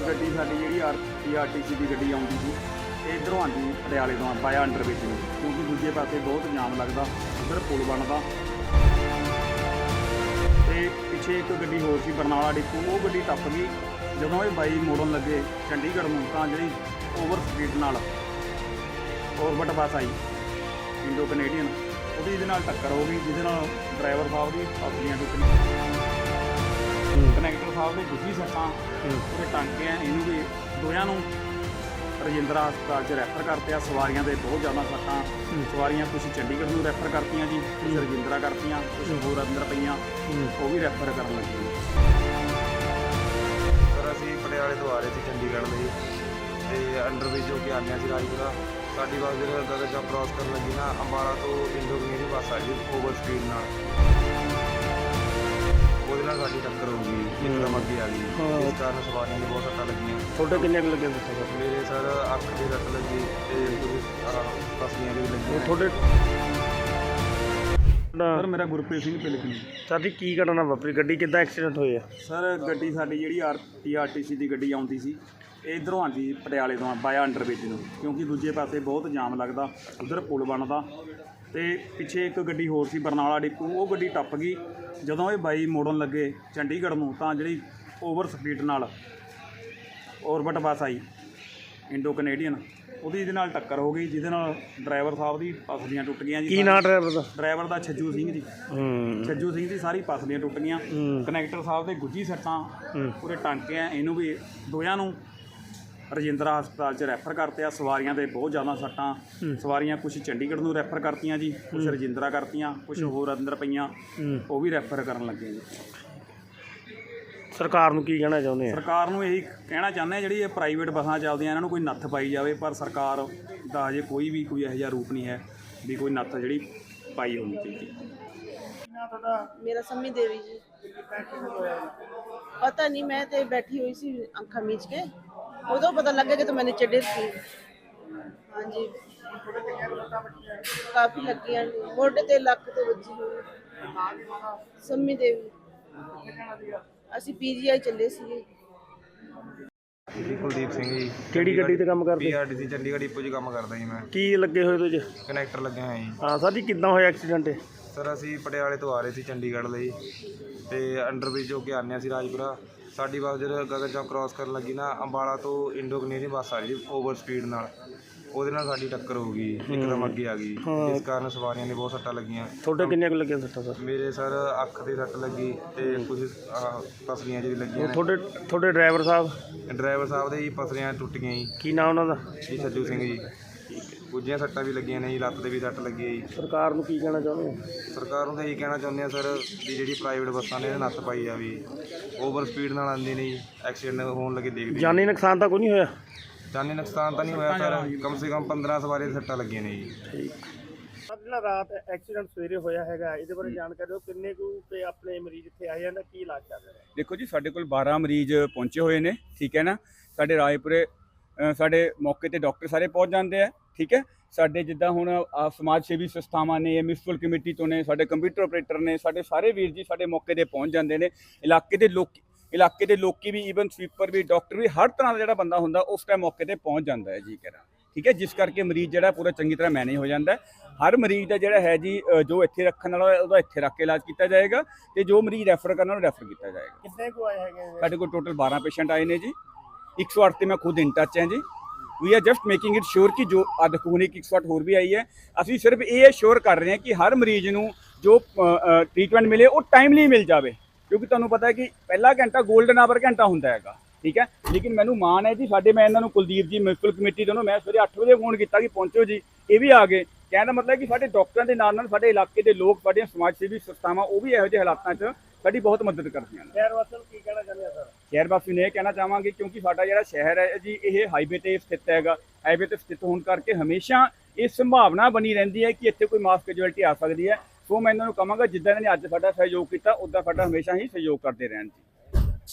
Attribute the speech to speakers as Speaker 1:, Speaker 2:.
Speaker 1: ਗੱਡੀ ਸਾਡੀ ਜਿਹੜੀ ਆਰਟੀਸੀ ਦੀ ਗੱਡੀ ਆਉਂਦੀ ਸੀ ਇਹ ਇੱਧਰੋਂ ਆਉਂਦੀ ਪਟਿਆਲੇ ਤੋਂ ਬਾਇਆ ਅੰਡਰਬ੍ਰਿਜ ਨੂੰ, ਕਿਉਂਕਿ ਦੂਜੇ ਪਾਸੇ ਬਹੁਤ ਜਾਮ ਲੱਗਦਾ, ਉੱਧਰ ਪੁਲ ਬਣਦਾ। ਤੇ ਪਿੱਛੇ ਇੱਕ ਗੱਡੀ ਹੋਰ ਸੀ ਬਰਨਾਲਾ ਡਿਪੂ, ਉਹ ਗੱਡੀ ਟੱਪ ਗਈ। ਜਦੋਂ ਇਹ ਬਾਈ ਮੋੜਨ ਲੱਗੇ ਚੰਡੀਗੜ੍ਹ ਨੂੰ ਤਾਂ ਜਿਹੜੀ ਓਵਰ ਸਪੀਡ ਨਾਲ ਔਰਬਿਟ ਬੱਸ ਆਈ ਇੰਡੋ ਕੈਨੇਡੀਅਨ, ਉਹਦੀ ਇਹਦੇ ਨਾਲ ਟੱਕਰ ਹੋ ਗਈ, ਜਿਹਦੇ ਨਾਲ ਡਰਾਈਵਰ ਸਾਹਿਬ ਦੀ ਪਸਲੀਆਂ ਟੁੱਟੀਆਂ, ਕਨੈਕਟਰ ਸਾਹਿਬ ਦੇ ਗੁੱਜੀ ਸੱਟਾਂ, ਉਹਦੇ ਟਾਂਕੇ ਆ, ਇਹਨੂੰ ਵੀ ਦੋਹਾਂ ਨੂੰ ਰਜਿੰਦਰਾ ਹਸਪਤਾਲ 'ਚ ਰੈਫਰ ਕਰਤੇ ਆ। ਸਵਾਰੀਆਂ ਦੇ ਬਹੁਤ ਜ਼ਿਆਦਾ ਸੱਟਾਂ, ਸਵਾਰੀਆਂ ਕੁਛ ਚੰਡੀਗੜ੍ਹ ਨੂੰ ਰੈਫਰ ਕਰਤੀਆਂ ਜੀ, ਕੁਛ ਰਜਿੰਦਰਾ ਕਰਤੀਆਂ, ਕੁਛ ਹੋਰ ਅੰਦਰ ਪਈਆਂ, ਉਹ ਵੀ ਰੈਫਰ ਕਰਨ ਲੱਗੇ।
Speaker 2: ਸਰ ਅਸੀਂ ਪਟਿਆਲੇ ਤੋਂ ਆ ਰਹੇ ਸੀ ਚੰਡੀਗੜ੍ਹ ਲਈ, ਤੇ ਅੰਡਰਬ੍ਰਿਜ ਹੋ ਕੇ ਆਉਂਦੇ ਸੀ ਰਾਜਪੁਰਾ। ਸਾਡੀ ਬੱਸ ਜਦੋਂ ਗਗਨ ਚੌਕ ਕ੍ਰਾਸ ਕਰਨ ਲੱਗੀ ਨਾ, ਅੰਬਾਲਾ ਤੋਂ ਇੰਡੋ ਕੈਨੇਡੀਅਨ ਬੱਸ ਆਈ ਓਵਰ ਸਪੀਡ ਨਾਲ, ਉਹਦੇ ਨਾਲ ਸਾਡੀ ਟੱਕਰ ਹੋ ਗਈ, ਇੱਕਦਮ ਅੱਗੇ ਆ ਗਈ, ਇਸ ਕਾਰਨ ਸਵਾਰੀਆਂ ਨੂੰ ਬਹੁਤ ਸੱਟਾਂ ਲੱਗੀਆਂ।
Speaker 3: ਤੁਹਾਡੇ ਕਿੰਨੇ ਕੁ ਲੱਗੇ ਦੱਸੋ?
Speaker 2: ਮੇਰੇ ਸਰ ਅੱਖ ਦੀ ਸੱਟ ਲੱਗੀ ਤੇ ਕੁਝ ਪਸਲੀਆਂ ਵੀ ਲੱਗੀਆਂ।
Speaker 3: ਤੁਹਾਡੇ
Speaker 1: ਸਰ ਮੇਰਾ ਗੁਰਪ੍ਰੀਤ ਸਿੰਘ ਪਿਲਕਣੀ।
Speaker 3: ਸਾਡੀ ਕੀ ਘਟਨਾ ਵਾਪਰੀ? ਗੱਡੀ ਕਿੱਦਾਂ ਐਕਸੀਡੈਂਟ ਹੋਇਆ?
Speaker 1: ਸਰ ਗੱਡੀ ਸਾਡੀ ਜਿਹੜੀ ਆਰਟੀਸੀ ਦੀ ਗੱਡੀ ਆਉਂਦੀ ਸੀ ਇਹ ਇੱਧਰੋਂ ਆਉਂਦੀ ਪਟਿਆਲੇ ਤੋਂ ਬਾਇਆ ਅੰਡਰਬ੍ਰਿਜ ਨੂੰ, ਕਿਉਂਕਿ ਦੂਜੇ ਪਾਸੇ ਬਹੁਤ ਜਾਮ ਲੱਗਦਾ, ਉੱਧਰ ਪੁਲ ਬਣਦਾ। ਤੇ ਪਿੱਛੇ ਇੱਕ ਗੱਡੀ ਹੋਰ ਸੀ ਬਰਨਾਲਾ ਡਿਪੂ, ਉਹ ਗੱਡੀ ਟੱਪ ਗਈ। ਜਦੋਂ ਇਹ ਬਾਈ ਮੋੜਨ ਲੱਗੇ ਚੰਡੀਗੜ੍ਹ ਨੂੰ ਤਾਂ ਜਿਹੜੀ ਓਵਰ ਸਪੀਡ ਨਾਲ ਔਰਬਿਟ ਬੱਸ ਆਈ ਇੰਡੋ ਕੈਨੇਡੀਅਨ, ਉਹਦੀ ਇਹਦੇ ਨਾਲ ਟੱਕਰ ਹੋ ਗਈ, ਜਿਹਦੇ ਨਾਲ ਡਰਾਈਵਰ ਸਾਹਿਬ ਦੀ ਪਸਲੀਆਂ ਟੁੱਟ ਗਈਆਂ ਜੀ।
Speaker 3: ਕੀ ਨਾਂ ਡਰਾਈਵਰ ਦਾ?
Speaker 1: ਡਰਾਈਵਰ ਦਾ ਛੱਜੂ ਸਿੰਘ ਜੀ। ਛੱਜੂ ਸਿੰਘ ਦੀ ਸਾਰੀ ਪਸਲੀਆਂ ਟੁੱਟ ਗਈਆਂ। ਕਨੈਕਟਰ ਸਾਹਿਬ ਦੇ ਗੁੱਜੀ ਸੱਟਾਂ, ਪੂਰੇ ਟਾਂਕੇ ਆ, ਇਹਨੂੰ ਵੀ ਦੋਹਾਂ ਨੂੰ ਰਜਿੰਦਰਾ ਹਸਪਤਾਲ 'ਚ ਰੈਫਰ ਕਰਤੇ ਆ। ਸਵਾਰੀਆਂ ਦੇ ਬਹੁਤ ਜ਼ਿਆਦਾ ਸੱਟਾਂ, ਸਵਾਰੀਆਂ ਕੁਛ ਚੰਡੀਗੜ੍ਹ ਨੂੰ ਰੈਫਰ ਕਰਤੀਆਂ ਜੀ, ਕੁਛ ਰਜਿੰਦਰਾ ਕਰਤੀਆਂ, ਕੁਛ ਹੋਰ ਅੰਦਰ ਪਈਆਂ, ਉਹ ਵੀ ਰੈਫਰ ਕਰਨ ਲੱਗੇ ਜੀ।
Speaker 3: ਸਰਕਾਰ ਨੂੰ ਕੀ ਕਹਿਣਾ ਚਾਹੁੰਦੇ ਆ?
Speaker 1: ਸਰਕਾਰ ਨੂੰ ਇਹੀ ਕਹਿਣਾ ਚਾਹੁੰਦੇ ਆ, ਜਿਹੜੀ ਇਹ ਪ੍ਰਾਈਵੇਟ ਬੱਸਾਂ ਚੱਲਦੀਆਂ ਇਹਨਾਂ ਨੂੰ ਕੋਈ ਨੱਥ ਪਾਈ ਜਾਵੇ, ਪਰ ਸਰਕਾਰ ਦਾ ਅਜੇ ਕੋਈ ਇਹੋ ਜਿਹਾ ਰੂਪ ਨਹੀਂ ਹੈ ਵੀ ਕੋਈ ਨੱਥ ਜਿਹੜੀ ਪਾਈ ਹੋਣੀ ਚਾਹੀਦੀ।
Speaker 4: ਮੇਰਾ ਸੰਮੀ ਦੇवी जी। पता नहीं, मैं तो बैठी हुई सी अखा मीच के, उदो पता लगे कि तो मैं नीचे डिग गई। हाँ जी, काफ़ी लगी, मोढे ते लक ते वजी हुई। संमी देवी ਅਸੀਂ ਪੀਜੀਆਈ ਚੱਲੇ ਸੀਗੇ।
Speaker 2: ਜੀ ਕੁਲਦੀਪ ਸਿੰਘ ਜੀ।
Speaker 3: ਕਿਹੜੀ ਗੱਡੀ ਤੇ ਕੰਮ ਕਰਦੇ?
Speaker 2: ਪੀਆਰਟੀਸੀ ਚੰਡੀਗੜ੍ਹ ਡਿਪੂ 'ਚ ਕੰਮ ਕਰਦਾ ਜੀ ਮੈਂ।
Speaker 3: ਕੀ ਲੱਗੇ ਹੋਏ ਤੁਸੀਂ?
Speaker 2: ਕਨੈਕਟਰ ਲੱਗਿਆ ਹੋਇਆ ਜੀ।
Speaker 3: ਹਾਂ ਸਰ ਜੀ, ਕਿੱਦਾਂ ਹੋਇਆ ਐਕਸੀਡੈਂਟ?
Speaker 2: ਸਰ ਅਸੀਂ ਪਟਿਆਲੇ ਤੋਂ ਆ ਰਹੇ ਸੀ ਚੰਡੀਗੜ੍ਹ ਲਈ, ਤੇ ਅੰਡਰਬ੍ਰਿਜ ਹੋ ਕੇ ਆਉਂਦੇ ਸੀ ਰਾਜਪੁਰਾ। ਸਾਡੀ ਬੱਸ ਜਦੋਂ ਗਗਨ ਚੌਕ ਕ੍ਰਾਸ ਕਰਨ ਲੱਗੀ ਨਾ, ਅੰਬਾਲਾ ਤੋਂ ਇੰਡੋ ਕੈਨੇਡੀਅਨ ਬੱਸ ਆ ਰਹੀ ਓਵਰ ਸਪੀਡ ਨਾਲ, ਉਹਦੇ ਨਾਲ ਸਾਡੀ ਟੱਕਰ ਹੋ ਗਈ, ਇੱਕਦਮ ਅੱਗੇ ਆ ਗਈ, ਇਸ ਕਾਰਨ ਸਵਾਰੀਆਂ ਨੇ ਬਹੁਤ ਸੱਟਾਂ ਲੱਗੀਆਂ।
Speaker 3: ਤੁਹਾਡੇ ਕਿੰਨੇ ਕੁ ਲੱਗੇ ਸੱਟਾਂ ਸਰ?
Speaker 2: ਮੇਰੇ ਸਰ ਅੱਖ ਦੀ ਸੱਟ ਲੱਗੀ ਤੇ ਕੁਝ ਪਸਲੀਆਂ ਜਿਹੜੀ ਲੱਗੀਆਂ।
Speaker 3: ਤੁਹਾਡੇ ਡਰਾਈਵਰ ਸਾਹਿਬ?
Speaker 2: ਡਰਾਈਵਰ ਸਾਹਿਬ ਦੇ ਜੀ ਪਸਲੀਆਂ ਟੁੱਟ ਗਈਆਂ ਜੀ।
Speaker 3: ਕੀ ਨਾਮ ਉਹਨਾਂ ਦਾ?
Speaker 2: ਜੀ ਛੱਜੂ ਸਿੰਘ ਜੀ। ਕੁਝੀਆਂ ਸੱਟਾਂ ਵੀ ਲੱਗੀਆਂ ਨੇ ਜੀ, ਲੱਤ ਤੇ ਵੀ ਸੱਟ ਲੱਗੀ ਹੈ ਜੀ।
Speaker 3: ਸਰਕਾਰ ਨੂੰ ਕੀ ਕਹਿਣਾ ਚਾਹੁੰਦੇ ਹੋ?
Speaker 2: ਸਰਕਾਰ ਨੂੰ ਤਾਂ ਇਹੀ ਕਹਿਣਾ ਚਾਹੁੰਦੇ ਆ ਸਰ ਵੀ ਜਿਹੜੀ ਪ੍ਰਾਈਵੇਟ ਬੱਸਾਂ ਨੇ ਇਹਦੇ ਨੱਥ ਪਾਈ ਜਾਵੇ। ਓਵਰ ਸਪੀਡ ਨਾਲ ਆਉਂਦੇ ਨੇ ਜੀ, ਐਕਸੀਡੈਂਟ ਹੋਣ ਲੱਗੇ ਦੇਖਦੇ।
Speaker 3: ਜਾਨੀ ਨੁਕਸਾਨ ਤਾਂ ਕੋਈ ਨਹੀਂ ਹੋਇਆ?
Speaker 2: ਜਾਨੀ ਨੁਕਸਾਨ ਤਾਂ ਨਹੀਂ ਹੋਇਆ ਸਰ, ਕਮ ਸੇ ਕਮ 15 ਸਵਾਰੀ ਦੀਆਂ ਸੱਟਾਂ ਲੱਗੀਆਂ ਨੇ ਜੀ।
Speaker 3: ਠੀਕ। ਜਿਹੜਾ ਰਾਤ ਐਕਸੀਡੈਂਟ ਸਵੇਰੇ ਹੋਇਆ ਹੈਗਾ, ਇਹਦੇ ਬਾਰੇ ਜਾਣਕਾਰੀ ਦਿਓ। ਕਿੰਨੇ ਕੁ ਤੇ ਆਪਣੇ ਮਰੀਜ਼ ਇੱਥੇ ਆਏ ਜਾਂਦੇ, ਕੀ ਇਲਾਜ ਚੱਲ ਰਿਹਾ?
Speaker 5: ਦੇਖੋ ਜੀ, ਸਾਡੇ ਕੋਲ 12 ਮਰੀਜ਼ ਪਹੁੰਚੇ ਹੋਏ ਨੇ, ਠੀਕ ਹੈ ਨਾ। ਸਾਡੇ ਰਾਏਪੁਰੇ ਸਾਡੇ ਮੌਕੇ ਤੇ ਡਾਕਟਰ ਸਾਰੇ ਪਹੁੰਚ ਜਾਂਦੇ ਆ, ਠੀਕ ਹੈ। ਸਾਡੇ ਜਿੱਦਾਂ ਹੁਣ ਸਮਾਜ ਸੇਵੀ ਸੰਸਥਾਵਾਂ ਨੇ, ਮਿਊਨਿਸਪਲ ਕਮੇਟੀ ਤੋਂ ਨੇ, ਸਾਡੇ ਕੰਪਿਊਟਰ ਆਪਰੇਟਰ ਨੇ, ਸਾਡੇ ਸਾਰੇ ਵੀਰ ਜੀ ਸਾਡੇ ਮੌਕੇ ਤੇ ਪਹੁੰਚ ਜਾਂਦੇ ਨੇ। ਇਲਾਕੇ ਦੇ ਲੋਕੀ ਵੀ, ਈਵਨ ਸਵੀਪਰ ਵੀ, ਡਾਕਟਰ ਵੀ, ਹਰ ਤਰ੍ਹਾਂ ਦਾ ਜਿਹੜਾ ਬੰਦਾ ਹੁੰਦਾ ਉਸ ਟਾਈਮ ਮੌਕੇ ਤੇ ਪਹੁੰਚ ਜਾਂਦਾ ਹੈ ਜੀ ਕਰਾਂ, ਠੀਕ ਹੈ। ਜਿਸ ਕਰਕੇ ਮਰੀਜ਼ ਜਿਹੜਾ ਪੂਰਾ ਚੰਗੀ ਤਰ੍ਹਾਂ ਮੈਨੇਜ ਹੋ ਜਾਂਦਾ ਹੈ। ਹਰ ਮਰੀਜ਼ ਦਾ ਜਿਹੜਾ ਹੈ ਜੀ, ਜੋ ਇੱਥੇ ਰੱਖਣ ਵਾਲਾ ਉਹਦਾ ਇੱਥੇ ਰੱਖ ਕੇ ਇਲਾਜ ਕੀਤਾ ਜਾਏਗਾ, ਤੇ ਜੋ ਮਰੀਜ਼ ਰੈਫਰ ਕਰਨ ਵਾਲਾ ਰੈਫਰ ਕੀਤਾ ਜਾਏਗਾ।
Speaker 3: ਕਿੰਨੇ ਕੁ ਆਏ ਹੈਗੇ?
Speaker 5: ਸਾਡੇ ਕੋਲ ਟੋਟਲ 12 ਪੇਸ਼ੈਂਟ ਆਏ ਨੇ ਜੀ। 108 ਤੇ ਮੈਂ ਖੁਦ ਇਨ ਟੱਚ ਹਾਂ ਜੀ। We are just making it sure ਕਿ ਜੋ ਦੇਖੋ ਇੱਕ 108 ਹੋਰ ਵੀ ਆਈ ਹੈ। ਅਸੀਂ ਸਿਰਫ ਇਹ ਸ਼ੋਰ ਕਰ ਰਹੇ ਹਾਂ ਕਿ ਹਰ ਮਰੀਜ਼ ਨੂੰ ਜੋ ਟ੍ਰੀਟਮੈਂਟ ਮਿਲੇ ਉਹ ਟਾਈਮਲੀ ਮਿਲ ਜਾਵੇ, ਕਿਉਂਕਿ ਤੁਹਾਨੂੰ ਪਤਾ ਹੈ ਕਿ ਪਹਿਲਾ ਘੰਟਾ ਗੋਲਡਨ ਆਵਰ ਘੰਟਾ ਹੁੰਦਾ ਹੈਗਾ, ਠੀਕ ਹੈ। ਲੇਕਿਨ ਮੈਨੂੰ ਮਾਣ ਹੈ ਜੀ, ਮੈਂ ਇਹਨਾਂ ਨੂੰ ਕੁਲਦੀਪ ਜੀ ਮਿਊਨਿਸਪਲ ਕਮੇਟੀ ਤੋਂ ਮੈਂ ਸਵੇਰੇ 8 ਵਜੇ ਫੋਨ ਕੀਤਾ ਕਿ ਪਹੁੰਚੋ ਜੀ, ਇਹ ਵੀ ਆ ਗਏ। ਕਹਿਣ ਦਾ ਮਤਲਬ ਕਿ ਸਾਡੇ ਡਾਕਟਰਾਂ ਦੇ ਨਾਲ ਸਾਡੇ ਇਲਾਕੇ ਦੇ ਲੋਕ, ਸਾਡੀਆਂ ਸਮਾਜ ਸੇਵੀ ਸੰਸਥਾਵਾਂ, ਉਹ ਵੀ ਇਹੋ ਜਿਹੇ ਹਾਲਾਤਾਂ 'ਚ ਸਾਡੀ ਬਹੁਤ ਮਦਦ ਕਰਦੀਆਂ ਨੇ।
Speaker 3: ਸ਼ਹਿਰ ਵਾਸੀਆਂ ਨੂੰ ਕੀ ਕਹਿਣਾ ਚਾਹੁੰਦੇ ਆ ਸਰ?
Speaker 5: ਸ਼ਹਿਰ ਵਾਸੀ ਨੂੰ ਇਹ ਕਹਿਣਾ ਚਾਹਾਂਗੇ, ਕਿਉਂਕਿ ਸਾਡਾ ਜਿਹੜਾ ਸ਼ਹਿਰ ਹੈ ਜੀ, ਇਹ ਹਾਈਵੇ ਤੇ ਸਥਿਤ ਹੈਗਾ। ਹਾਈਵੇ ਤੇ ਸਥਿਤ ਹੋਣ ਕਰਕੇ ਹਮੇਸ਼ਾ ਇਹ ਸੰਭਾਵਨਾ ਬਣੀ ਰਹਿੰਦੀ ਹੈ ਕਿ ਇੱਥੇ ਕੋਈ ਮਾਸ ਕੈਜੁਅਲਟੀ ਆ ਸਕਦੀ ਹੈ। ਸੋ ਮੈਂ ਇਹਨਾਂ ਨੂੰ ਕਹਾਂਗਾ, ਜਿੱਦਾਂ ਇਹਨਾਂ ਨੇ ਅੱਜ ਸਾਡਾ ਸਹਿਯੋਗ ਕੀਤਾ, ਉੱਦਾਂ ਸਾਡਾ ਹਮੇਸ਼ਾ ਹੀ ਸਹਿਯੋਗ ਕਰਦੇ ਰਹਿਣ ਜੀ।